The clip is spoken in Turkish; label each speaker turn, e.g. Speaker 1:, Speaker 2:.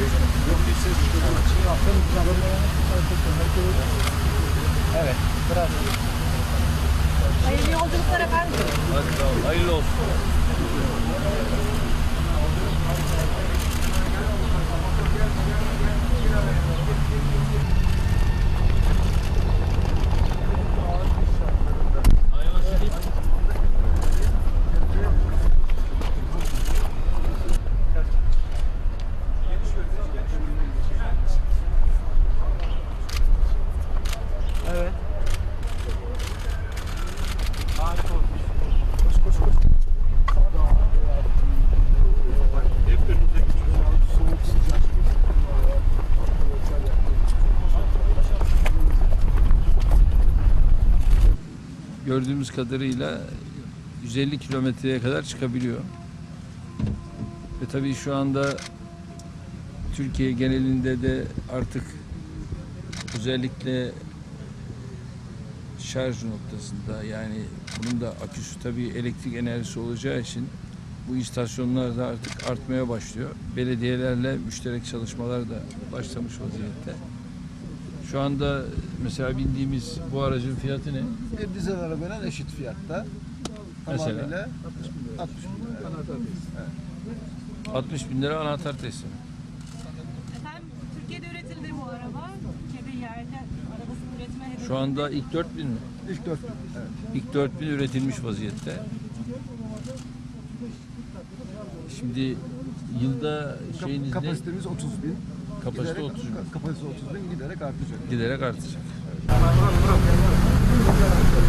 Speaker 1: Evet, biraz.
Speaker 2: Hayırlı yolculuklar efendim.
Speaker 1: Hadi sağ ol, hayırlı olsun. Evet. Harika olmuş. Koş. Hep önümüzdeki soğuk sıcak. Gördüğümüz kadarıyla 150 kilometreye kadar çıkabiliyor. Ve tabii şu anda Türkiye genelinde de artık özellikle şarj noktasında, yani bunun da aküsü tabii elektrik enerjisi olacağı için bu istasyonlar da artık artmaya başlıyor. Belediyelerle müşterek çalışmalar da başlamış vaziyette. Şu anda mesela bindiğimiz bu aracın fiyatı ne?
Speaker 3: Bir dizel arabayla eşit fiyatta.
Speaker 1: Mesela?
Speaker 3: Tamamıyla 60 bin lira. Anahtar
Speaker 1: Evet. 60 bin lira anahtar teslim.
Speaker 2: Efendim Türkiye'de üretildi bu araba. Türkiye'de yerli arabasını üretme hedefi.
Speaker 1: Şu anda ilk 4000 mi?
Speaker 3: İlk 4 bin. Evet.
Speaker 1: İlk 4000 üretilmiş vaziyette. Şimdi yılda şeyiniz ne?
Speaker 3: Kapasitemiz 30 bin.
Speaker 1: Kapasite
Speaker 3: Giderek-
Speaker 1: 30 bin.
Speaker 3: Kapasite 30 bin giderek artacak.
Speaker 1: Giderek artacak.